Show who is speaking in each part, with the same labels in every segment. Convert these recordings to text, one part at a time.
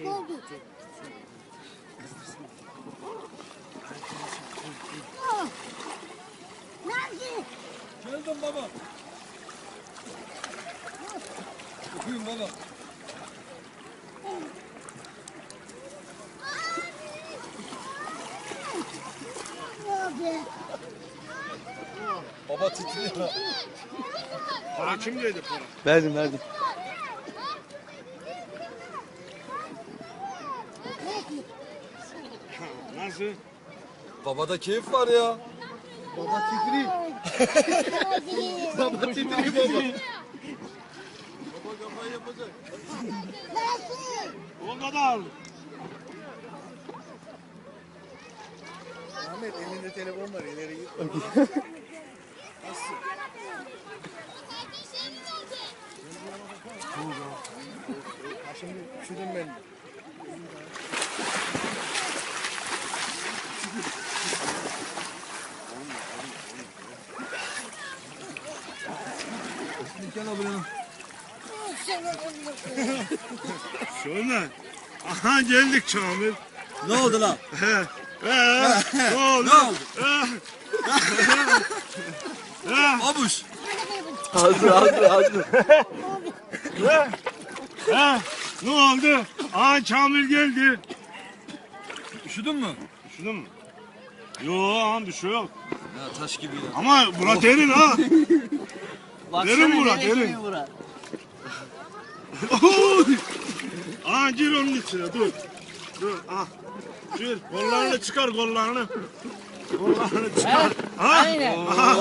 Speaker 1: oldu. Nerede?
Speaker 2: Geldim baba. Okuyun baba.
Speaker 1: Abi.
Speaker 2: Baba titriyor.
Speaker 3: Para kimdeydi para?
Speaker 4: Verdim verdim.
Speaker 3: Nasıl?
Speaker 2: Babada keyif var ya.
Speaker 4: Baba titriyor. Baba titriyor baba.
Speaker 2: Baba kafayı yapacak.
Speaker 3: O kadar.
Speaker 4: Ahmet elinde telefon var, ileri git. Şimdi üşüdüm ben. Gel abi.
Speaker 3: Şöyle. Aha geldik Kamil.
Speaker 2: Ne oldu lan?
Speaker 3: Ne oldu?
Speaker 2: Ne oldu? Abuş.
Speaker 4: Hazır.
Speaker 3: Ne oldu? Aha Kamil geldi.
Speaker 2: Üşüdün mü?
Speaker 3: Üşüdün mü? Yok bir şey yok.
Speaker 2: Ya taş gibi ya.
Speaker 3: Ama bura derin ha. Derin bura derin. Oy! Aa gir onun içine dur. Dur ah. Gir kollarını çıkar kollarını. Kollarını çıkar.
Speaker 5: Aynen.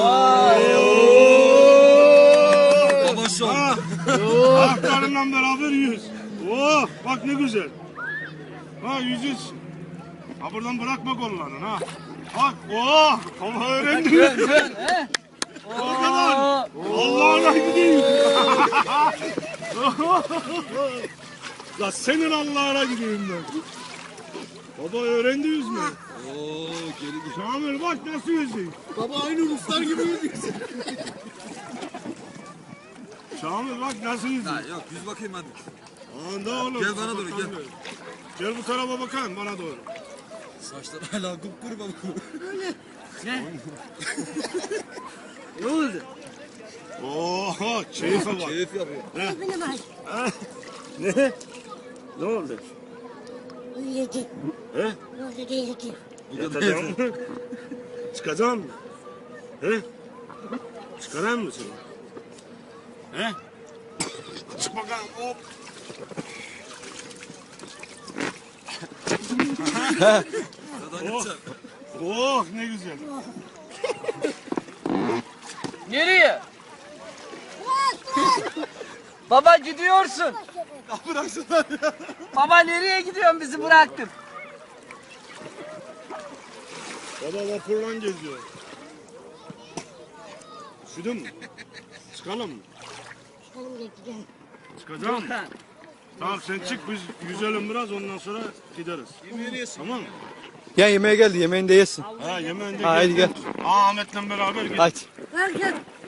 Speaker 2: Baba şu an.
Speaker 3: Ayaklarından beraber yüz. Oh bak ne güzel. Ha yüzüz. Ha buradan bırakma kollarını ha. Bak oh ama öğrendin. O kadar. Allah'ına gideyim. La senin Allah'ına gideyim ben. Baba öğrendi yüzme.
Speaker 2: Oo geri gel.
Speaker 3: Kamil bak nasıl yüzüyor.
Speaker 4: Baba aynı Ruslar gibi yüzüyorsun.
Speaker 3: Kamil bak nasıl yüzüyor.
Speaker 2: Ha, yok yüz bakayım hadi.
Speaker 3: Anda oğlum.
Speaker 2: Gel bana doğru, gel.
Speaker 3: Gel bu tarafa bakayım bana doğru.
Speaker 2: Saçlar hala kupkuru baba.
Speaker 5: Ne oldu?
Speaker 3: Oho keyfe bak.
Speaker 2: Keyif yapıyor.
Speaker 1: Benim var.
Speaker 3: Ne? Ne oldu?
Speaker 1: Uyuyacak.
Speaker 3: He?
Speaker 1: Ne oldu diyecek.
Speaker 3: Yatacağım mı? Çıkacağım mı? He? Çıkarayım mı seni? He? Çık bakalım hop.
Speaker 2: Sıradan yapacak.
Speaker 3: Oh ne güzel.
Speaker 5: Nereye? Baba gidiyorsun.
Speaker 2: Bıraksınlar ya.
Speaker 5: Baba nereye gidiyorsun, bizi bıraktın?
Speaker 3: Baba vapurla geziyor. Üşüdün mü? Çıkalım mı?
Speaker 1: Çıkalım geçeceğim.
Speaker 3: Çıkacağım mı? Tamam sen çık biz yüzelim biraz ondan sonra gideriz. Tamam mı?
Speaker 4: Ya yemeğe geldi, yemeğini de yesin.
Speaker 3: Ha yemeğinde
Speaker 4: Haydi
Speaker 3: gel. Ahmet'le beraber git.
Speaker 4: Haydi.
Speaker 1: Gel gel.